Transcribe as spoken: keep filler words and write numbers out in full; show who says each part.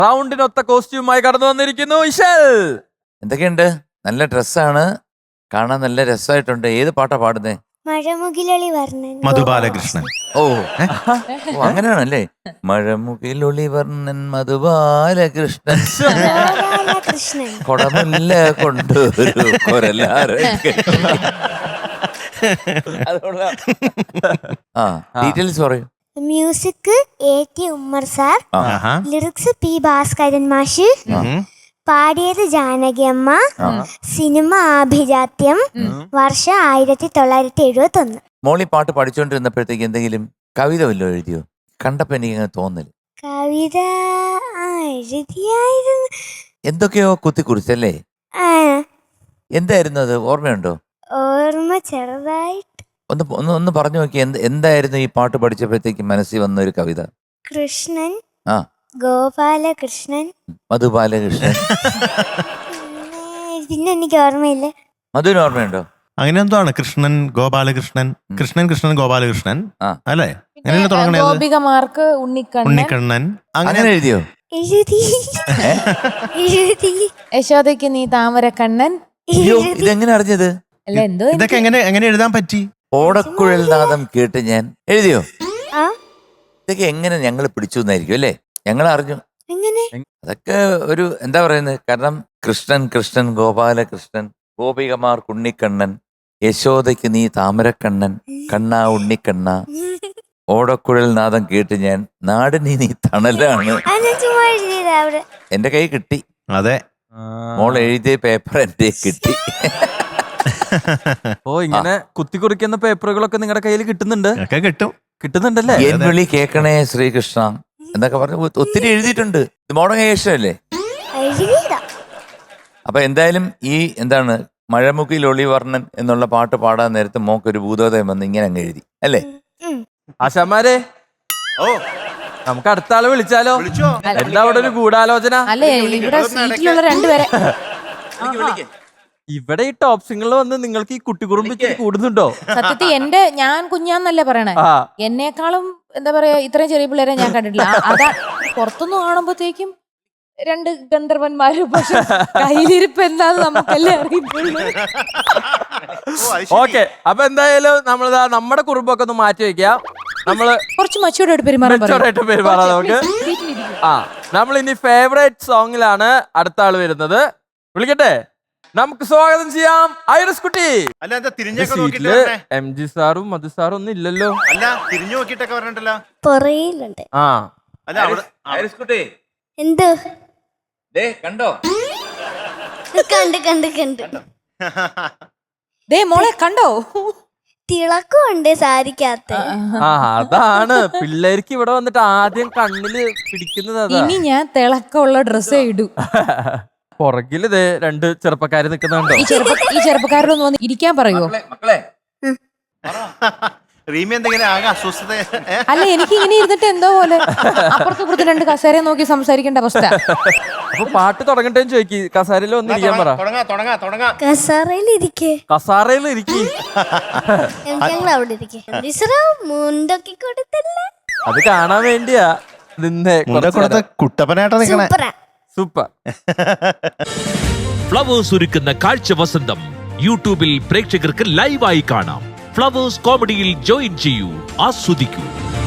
Speaker 1: റൗണ്ടിനൊത്ത കോസ്റ്റ്യൂമായി കടന്നു വന്നിരിക്കുന്നു ഇശൽ.
Speaker 2: എന്തൊക്കെയുണ്ട്? നല്ല ഡ്രസ്സാണ്, കാണാൻ നല്ല രസമായിട്ടുണ്ട്. ഏത് പാട്ടാ പാടുന്നേ?
Speaker 3: മഴമുകിലൊളി വർണ്ണൻ
Speaker 4: മധുബാലകൃഷ്ണൻ.
Speaker 2: ഓ ഓ അങ്ങനെയാണല്ലേ. മഴമുകിലൊളി വർണ്ണൻ മധുബാലകൃഷ്ണൻ
Speaker 3: കൃഷ്ണൻ
Speaker 2: കൊടമുല്ല കൊണ്ടൊരു കൊരലാറ്. ആ ഡീറ്റെയിൽസ് പറയൂ.
Speaker 3: Music A T Ummer sir,
Speaker 4: ആഹാ.
Speaker 3: ലിറിക്സ് പി ഭാസ്കരൻ മാഷ്, പാടിയത് ജാനകി അമ്മ, സിനിമ ആഭിജാത്യം, വർഷം ആയിരത്തി തൊള്ളായിരത്തി എഴുപത്തി ഒന്ന്.
Speaker 2: മോളി പാട്ട് പഠിച്ചുകൊണ്ടിരുന്നപ്പോഴത്തേക്ക് എന്തെങ്കിലും കവിത വല്ലോ എഴുതിയോ? കണ്ടപ്പോ എനിക്ക് അങ്ങനെ തോന്നല്.
Speaker 3: കവിത ആ, എഴുതിയായിരുന്നു.
Speaker 2: എന്തൊക്കെയോ കുത്തി കുറിച്ചല്ലേ?
Speaker 3: ആ,
Speaker 2: എന്തായിരുന്നു അത്? ഓർമ്മയുണ്ടോ?
Speaker 3: ഓർമ്മ ചെറുതായിട്ട്.
Speaker 2: ഒന്ന് ഒന്ന് ഒന്ന് പറഞ്ഞു നോക്കി. എന്ത് എന്തായിരുന്നു ഈ പാട്ട് പഠിച്ചപ്പോഴത്തേക്ക് മനസ്സിൽ വന്ന ഒരു കവിത?
Speaker 3: കൃഷ്ണൻ,
Speaker 2: ആ
Speaker 3: ഗോപാലകൃഷ്ണൻ,
Speaker 2: മധുബാലകൃഷ്ണൻ.
Speaker 3: പിന്നെ പിന്നെ എനിക്ക് ഓർമ്മയില്ല.
Speaker 2: മധുവിന് ഓർമ്മയുണ്ടോ?
Speaker 4: അങ്ങനെ എന്തോ ആണ്. കൃഷ്ണൻ ഗോപാലകൃഷ്ണൻ, കൃഷ്ണൻ കൃഷ്ണൻ ഗോപാലകൃഷ്ണൻ
Speaker 2: ആ.
Speaker 4: അല്ലേ? അങ്ങനെയല്ലേ തുടങ്ങണത്?
Speaker 5: ഗോപികമാർക്ക് ഉണ്ണിക്കണ്ണൻ,
Speaker 4: ഉണ്ണിക്കണ്ണൻ.
Speaker 2: അങ്ങനെ
Speaker 4: അങ്ങനെ
Speaker 2: എഴുതിയോ?
Speaker 3: എഴുതി എഴുതി
Speaker 5: യശോദയ്ക്ക് നീ താമരക്കണ്ണൻ.
Speaker 2: അയ്യോ, ഇതെങ്ങനെ അറിഞ്ഞത്?
Speaker 5: അല്ല എന്തോ
Speaker 4: ഇതൊക്കെ എങ്ങനെ എങ്ങനെ എഴുതാൻ പറ്റി?
Speaker 2: ഓടക്കുഴൽ നാദം കേട്ട് ഞാൻ എഴുതിയോ?
Speaker 3: ആ,
Speaker 2: ഇതൊക്കെ എങ്ങനെ ഞങ്ങൾ പിടിച്ചു എന്നായിരിക്കും അല്ലേ? ഞങ്ങൾ അറിഞ്ഞു.
Speaker 3: എങ്ങനെ?
Speaker 2: അതൊക്കെ ഒരു എന്താ പറയുന്നത്, കാരണം കൃഷ്ണൻ കൃഷ്ണൻ ഗോപാലകൃഷ്ണൻ, ഗോപികമാർ ഉണ്ണിക്കണ്ണൻ, യശോദയ്ക്ക് നീ താമരക്കണ്ണൻ, കണ്ണാ ഉണ്ണിക്കണ്ണ, ഓടക്കുഴൽ നാദം കേട്ട് ഞാൻ, നാടിനി നീ തണലാണ്.
Speaker 3: അത് ഞാൻ ചുമ്മാ എഴുതിയതാ അവിടെ.
Speaker 2: എന്റെ കൈ കിട്ടി.
Speaker 4: അതെ.
Speaker 2: മോൾ എഴുതിയ പേപ്പർ എന്റെ കിട്ടി.
Speaker 1: ഓ ഇങ്ങനെ കുത്തിക്കുറിക്കുന്ന പേപ്പറുകളൊക്കെ നിങ്ങളുടെ കയ്യിൽ കിട്ടുന്നുണ്ട്.
Speaker 4: ഒക്കെ കിട്ടും.
Speaker 1: കിട്ടുന്നുണ്ടല്ലേ?
Speaker 2: എൻ വിളി കേക്കണേ ശ്രീകൃഷ്ണ എന്നൊക്കെ പറഞ്ഞ് ഒത്തിരി എഴുതിയിട്ടുണ്ട്. ഇത് മോഡേൺ ഏഷ്യല്ലേ?
Speaker 3: എഴുതിയതാ.
Speaker 2: അപ്പൊ എന്തായാലും ഈ എന്താണ് മഴമുക്കിൽ ഒളിവർണ്ണൻ എന്നുള്ള പാട്ട് പാടാൻ നേരത്ത് മോക്കൊരു ഭൂതോദയം വന്ന് ഇങ്ങനെ അങ്ങ് എഴുതി അല്ലേ?
Speaker 3: ഉം.
Speaker 1: ആശാമാരെ,
Speaker 4: ഓ
Speaker 1: നമുക്ക് അടുത്ത ആളെ വിളിച്ചാലോ?
Speaker 4: വിളിച്ചോ?
Speaker 1: എന്താ അവിടെ ഒരു ഗൂഢാലോചന?
Speaker 5: അല്ലേ ഇവിടെ സീറ്റിലുള്ള രണ്ടുപേരെ
Speaker 1: ഇവിടെ ഈ ടോപ്പ് സിംഗിൾ വന്ന് നിങ്ങൾക്ക് ഈ കുട്ടികുറുമ്പ് കൂടുന്നുണ്ടോ?
Speaker 5: സത്യത്തിൽ എന്റെ ഞാൻ കുഞ്ഞാന്നല്ലേ പറയണേ.
Speaker 1: ആ
Speaker 5: എന്നെക്കാളും എന്താ പറയാ ഇത്രയും ചെറിയ പിള്ളേരെ ഞാൻ കണ്ടിട്ടില്ല. ആ- അതാ പുറത്തുനിന്ന് കാണുമ്പോഴത്തേക്കും രണ്ട് ഗന്ധർവന്മാരും, പക്ഷെ കയ്യിലിരിപ്പ് എന്താന്ന് നമുക്കല്ലേ അറിയുള്ളൂ.
Speaker 1: ഓക്കെ, അപ്പൊ എന്തായാലും നമ്മളിതാ നമ്മുടെ കുറുമ്പൊക്കെ ഒന്ന് മാറ്റി വെക്കാം. നമ്മള്
Speaker 5: കുറച്ച് മച്ചൂടായിട്ട് പെരുമാറാൻ പറയും.
Speaker 1: മെച്ചോറായിട്ട് പെരുമാറാം നമുക്ക്. ആ നമ്മൾ ഇനി ഫേവറേറ്റ് സോങ്ങിലാണ് അടുത്ത ആള് വരുന്നത്. വിളിക്കട്ടെ, നമുക്ക് സ്വാഗതം ചെയ്യാം ഐറിസ് കുട്ടി.
Speaker 4: അല്ല എന്താ തിരിഞ്ഞൊക്കെ
Speaker 1: സീറ്റില്
Speaker 4: നോക്കിട്ട് വരണേ?
Speaker 1: എം ജി സാറും മധു സാറും ഒന്നും ഇല്ലല്ലോ.
Speaker 4: അല്ല തിരിഞ്ഞു നോക്കിട്ടൊക്കെ പറഞ്ഞിട്ടല്ലോ.
Speaker 3: പുറയിലുണ്ട്.
Speaker 1: ആ
Speaker 4: അല്ല അവിടെ
Speaker 2: ഐറിസ് കുട്ടി,
Speaker 3: എന്തോ
Speaker 2: ദേ കണ്ടോ?
Speaker 3: കണ്ട് കണ്ട് കണ്ട്
Speaker 5: ദേ മോളെ കണ്ടോ?
Speaker 3: തിളക്കമുണ്ട് സാരിക്കകത്ത്.
Speaker 1: ആ അതാണ് പിള്ളേർക്ക് ഇവിടെ വന്നിട്ട് ആദ്യം കണ്ണില് പിടിക്കുന്നത് അതാ.
Speaker 5: ഇനി ഞാൻ തിളക്കമുള്ള ഡ്രസ്സേ ഇടൂ.
Speaker 1: പുറകില് ദേ രണ്ട് ചെറുപ്പക്കാര് നിക്കുന്നുണ്ടോ?
Speaker 5: ഈ ചെറുപ്പ ഈ ചെറുപ്പക്കാരോടൊന്ന് വന്ന് ഇരിക്കാൻ പറയുമോ?
Speaker 2: മക്കളെ
Speaker 4: റീമി എന്തെങ്കിലും ആകെ അസ്വസ്ഥത.
Speaker 5: അല്ല എനിക്ക് ഇങ്ങനെ ഇരുന്നിട്ട് എന്തോ പോലെ അപ്പുറത്തും ഇപ്പുറത്തും രണ്ട് കസേരയെ നോക്കി സംസാരിക്കേണ്ട അവസ്ഥ.
Speaker 1: അപ്പൊ പാട്ട് തുടങ്ങട്ടെ ചോദിക്കി. കസാരയിൽ ഒന്ന് ഇരിക്കാൻ പറ.
Speaker 4: തുടങ്ങാ തുടങ്ങാ തുടങ്ങാ.
Speaker 3: കസറയിലിരിക്കേ.
Speaker 1: കസാരയിൽ ഇരിക്കി.
Speaker 3: ഞങ്ങൾ അവിടെ ഇരിക്കേ. മുണ്ടൊക്കെ കൊടുത്തല്ലേ.
Speaker 1: അത് കാണാൻ വേണ്ടിയാ നിന്നെ.
Speaker 4: കുട്ടപ്പനായിട്ടാ നിക്കണേ.
Speaker 3: സൂപ്പറാ.
Speaker 1: സൂപ്പർ.
Speaker 6: ഫ്ലവേഴ്സ് ഒരുക്കുന്ന കാഴ്ച വസന്തം യൂട്യൂബിൽ പ്രേക്ഷകർക്ക് ലൈവായി കാണാം. ഫ്ലവേഴ്സ് കോമഡിയിൽ ജോയിൻ ചെയ്യൂ, ആസ്വദിക്കൂ.